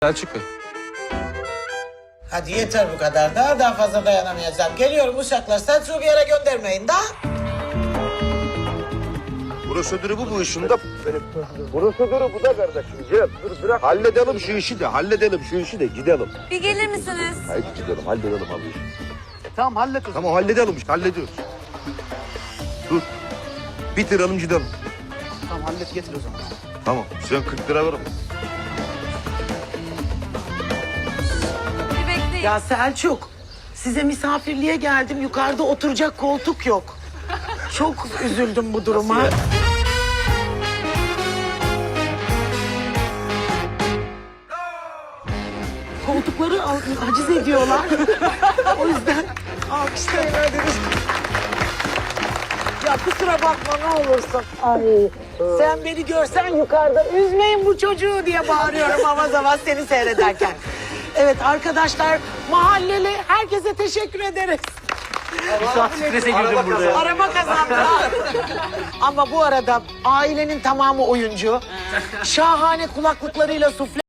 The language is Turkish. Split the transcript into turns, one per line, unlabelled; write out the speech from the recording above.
Selçuk Bey.
Hadi yeter bu kadar da daha fazla dayanamayacağım. Geliyorum uşaklar, Selçuk'u bir yere göndermeyin da.
Prosedürü bu işin de benim. Prosedürü bu da kardeşim. Gel dur bırak. Halledelim şu işi de gidelim.
Bir gelir misiniz?
Haydi gidelim halledelim abi işi.
Tamam halledin.
Tamam halledelim işte hallediyoruz. Dur. Bitirelim gidelim.
Tamam hallet getir o zaman.
Tamam sen 40 lira ver.
Bir bekleyin.
Ya Selçuk, size misafirliğe geldim. Yukarıda oturacak koltuk yok. Çok üzüldüm bu duruma. Koltukları haciz ediyorlar. O yüzden alkışlayın hadi. Ya kusura bakma ne olursun. Ay, sen beni görsen yukarıda üzmeyin bu çocuğu diye bağırıyorum avaz avaz seni seyrederken. Evet arkadaşlar, mahalleli herkese teşekkür ederiz.
Bir saat strese girdim burada ya.
Araba kazandılar. Ama bu arada ailenin tamamı oyuncu. Şahane kulaklıklarıyla sufle